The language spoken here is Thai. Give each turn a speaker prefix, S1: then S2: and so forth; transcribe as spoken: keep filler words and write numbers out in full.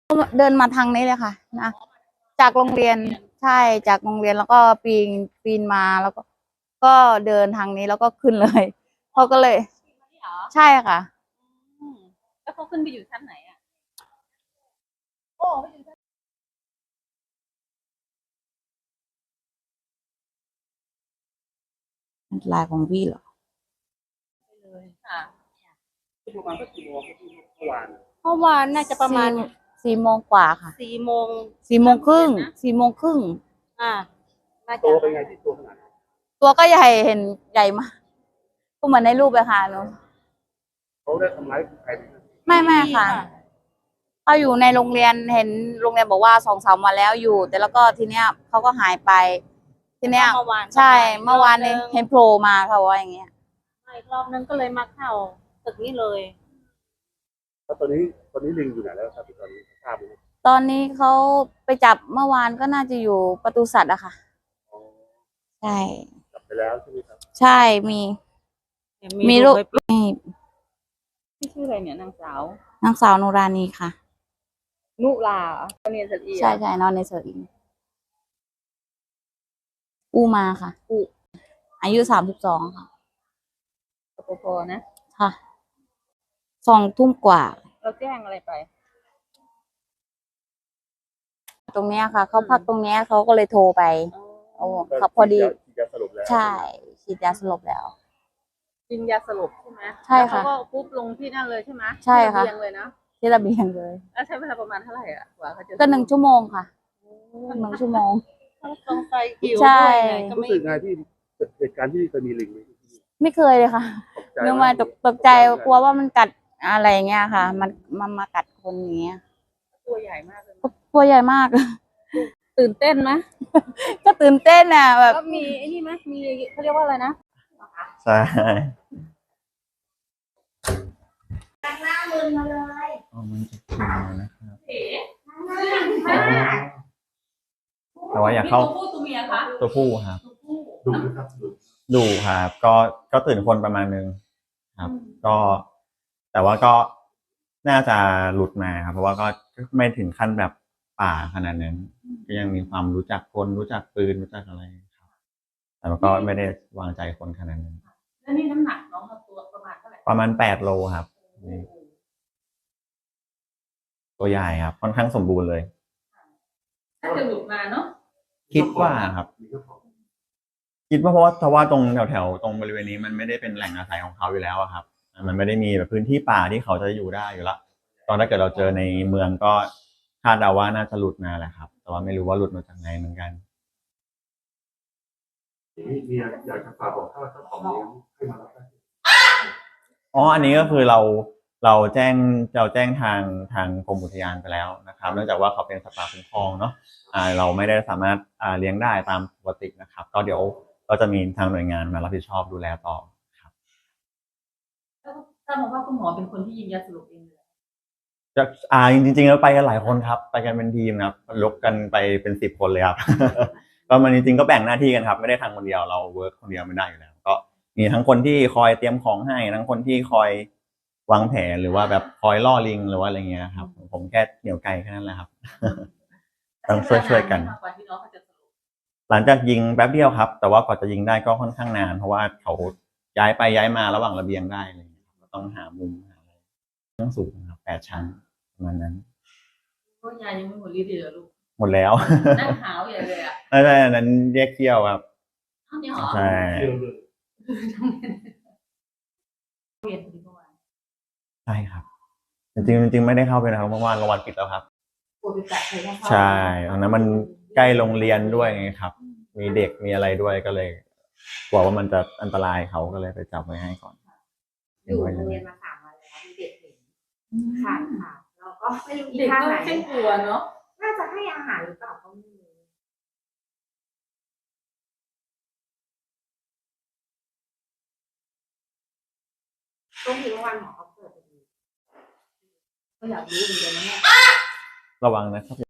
S1: เดินมาทางนี้เลยค่ะนะจากโรงเรียนใช่จากโรงเรียนแล้วก็ปีนปีนมาแล้วก็ก็เดินทางนี้แล้วก็ขึ้นเลยเขาก็เลยใช่ค่ะ
S2: แล้วเขาขึ้นไปอยู่ชั้นไหนอ่ะ
S1: ลายของพี่เหรอ
S2: เลยค่ะ
S3: ประมาณสักกี่โมงครับพี่เมื่อวาน
S2: เมื่อวานน่าจะประมาณ
S1: สี่โมงกว่าค่ะ
S2: สี่โมง
S1: สี่โมงครึ่งสี่โมงครึ่ง
S2: อ่าน่าจะ
S3: ตัวเป็นไงที่ตัวขนาดไหน
S1: ตัวก็ใหญ่เห็นใหญ่มากก็เหมือนในรูปเลยค่ะหนู
S3: เขาได้ทำร้ายใครไหมครับ
S1: ไม่ไม่ค่ะเขาอยู่ในโรงเรียนเห็นโรงเรียนบอกว่าสองสามวันแล้วอยู่ แต่แล้วก็ทีเนี้ยเขาก็หายไป ทีเนี้ย
S2: เมื่อวาน
S1: ใช่เมื่อวานนี้เห็นโผล่มาเขาว่าอย่างเงี้ย
S2: อีกรอบนึงก็เลยมาเข้าตึกนี้เลย
S3: แล้วตอนนี้ตอนนี้ลิงอยู่ไหนแล้วครับตอนนี้ทราบไหมครับ
S1: ตอนนี้เขาไปจับเมื่อวานก็น่าจะอยู่ประตูสัตว์อะค่ะ
S3: อ๋อ
S1: ใช่
S3: จับไปแล้วใช่ไหมครับ
S1: ใช่มีมีรูปนี่
S2: ที่ชื่ออะไรเนี่ยนางสาวน
S1: างสาวนุรานีค่ะ
S2: นุลาเรียนสตรี
S1: ใช่ใช่นอนในเสืออิงอูมาค่ะอูอายุสามสิบสองค่ะ
S2: ปปพนะ
S1: ค่ะสองทุ่มกว่า
S2: เราแจ้งอะไรไป
S1: ตรงเนี้ยค่ะเขาพักตรงเนี้ยเขาก็เลยโทรไปโอ้ครับพอดี
S3: ฉีดยาสลบแล้ว
S1: ใช่ฉีดยาสลบแล้ว
S2: กินยาสลบใช่ไหม
S1: ใช่ค่ะ
S2: แล้วเขาก็ปุ๊บลงที่นั่นเลยใช่ไหม
S1: ใช่ค่ะ
S2: ที่ระเบียงเลยนะ
S1: ที่ระเบียงเลย
S2: แล้วใช้เวลาประมาณเท่าไหร่อ่ะกว่าเขาจะ
S1: ก็หนึ่งชั่วโมงค่ะหนึ่งชั่วโมง
S2: ต้องไปหิว
S1: ใช่
S2: ด้วยไงก็
S3: รู้
S2: ไม่
S3: สึกไงที่เหตุการณ์ที่เคยมีลิงไหม
S1: ไม่เคยเลยค่ะ
S3: ตกใจ
S1: นึกว่าตกตกใจกลัวว่ามันกัดอะไรเงี้ยค่ะ มันมันมากัดคนอย่างเงี้ย
S2: ตัวใหญ่มากเลย
S1: ตัวใหญ่มาก
S2: ตื่นเต้นไหม
S1: ก็ตื่นเต้นอ่ะแบบ
S2: แล้วมีไอ้นี่ไหมมีเขาเรียกว่าอะไรนะ
S4: ใช่
S1: ตั้งหน้ามือมาเลย
S4: เอามันจะกินนะครับแต่ว่าอยากเข้า
S2: ตัวผู้ตัวเมียคะ
S4: ตัวผู้ครับ
S3: ดูนะครับดู
S4: ดูครับก็ก็ตื่นคนประมาณนึงครับ ก็ แต่ว่าก็น่าจะหลุดมาครับเพราะว่าก็ไม่ถึงขั้นแบบป่าขนาดนั้นก็ยังมีความรู้จักคนรู้จักปืนรู้จักอะไรครับ แต่มันก็ไม่ได้วางใจคนขนาดนั้น
S2: แล้วนี่น้ำหนักน้องกับตัวประมาณเท่าไหร่
S4: ประมาณแปดโลครับนี่ตัวใหญ่ครับค่อนข้างสมบูรณ์เลย
S2: ถ้าจะหลุดมาเนาะ
S4: คิดว่าครับ
S3: มีเจ้าของ
S4: คิดว่าเพราะว่าเพราะว่าตรงแถวแถวตรงบริเวณนี้มันไม่ได้เป็นแหล่งอาศัยของเขาอยู่แล้วอะครับมันไม่ได้มีแบบพื้นที่ป่าที่เขาจะอยู่ได้อยู่ละตอนถ้าเกิดเราเจอในเมืองก็คาดเดาว่าน่าจะหลุดมาแหละครับ แต่ว่าไม่รู้ว่าหลุดมาจากไหนเหมือนกัน
S3: มีมีอยากจะฝากบอกถ้าเจ้าของเลี้ยงให้มารับได้
S4: อ๋ออันนี้ก็คือเราเราแจ้งเราแจ้งทางทางกรมอุทยานไปแล้วนะครับเนื่องจากว่าเขาเป็นสัตว์ป่าคุ้มครองเนาะอ่าเราไม่ได้สามารถอ่าเลี้ยงได้ตามปกตินะครับ ก็เดี๋ยวก็จะมีทางหน่วยงานมารับผิดชอบดูแลต่อครับ
S2: แล้วทราบมาว่าคุณหมอเป็นคนที่ยิงยาสลบเองเลย
S4: จะอ่าจริงๆแล้วไปกันหลายคนครับ ไปกันเป็นทีมครับยกกันไปเป็นสิบคนเลยครับ ก็มันจริงๆก็แบ่งหน้าที่กันครับ ไม่ได้ทำคนเดียวเราเวิร์กคนเดียวไม่ได้อยู่แล้วก็มีทั้งคนที่คอยเตรียมของให้ทั้งคนที่คอยวางแผนหรือว่าแบบคอยล่อลิงหรือว่าอะไรเงี้ยครับผมแค่เหนี่ยวไกลแค่นั้นแหละครับ ต้องช่วยๆกัน
S2: กว่าที่น้องเขาจะสลบ
S4: หลังจากยิงแป๊บเดียวครับ แต่ว่ากว่าจะยิงได้ก็ค่อนข้างนาน เพราะว่าเขาย้ายไปย้ายมาระหว่างระเบียงได้อะไรอย่างเงี้ยก็ต้องหามุมหาอะไรต้องสูงครับแปดชั้นประมาณนั้น
S2: ก็ยายังไม่หมดฤทธิ์เลยเหรอลูก
S4: หมดแล้ว
S2: นั่งหาวใหญ่เลยอ่ะ
S4: ไม่ใช่อันนั้นแยกเขี้ยวครับ
S2: เท่านี้เหรอ
S4: ใช่
S3: เรื่องเลย
S2: เรียนที่เมื่อวาน
S4: ใช่ครับ จริงๆจริงๆไม่ได้เข้าไปนะครับเมื่อวานโรงพยาบาลปิดแล้วครับ
S2: ปวดไปแตะใครได้เข้า
S4: ใช่ตอนนั้นมันใกล้โรงเรียนด้วยไงครับ มีเด็กมีอะไรด้วยก็เลยกลัวว่ามันจะอันตรายเขาก็เลยไปจับไว้ให้ก่อน
S5: อยู่โรงเรียนมาสามวันแล้วมีเด็กเห็นค่ะค่ะเราก็ไม่รู้อี
S2: เด็ก
S5: ท่า
S2: ก็
S5: ไหน
S2: เส้นกลัวเนาะ
S5: น่าจะให้อาหารหรือเปล่าก็ไม่รู้ช่วงที่เมื่อวานหมอเขาเปิดพอดี
S2: ก็อยากรู้เหมือนกันนะเนี่ย
S4: ระวังนะครับ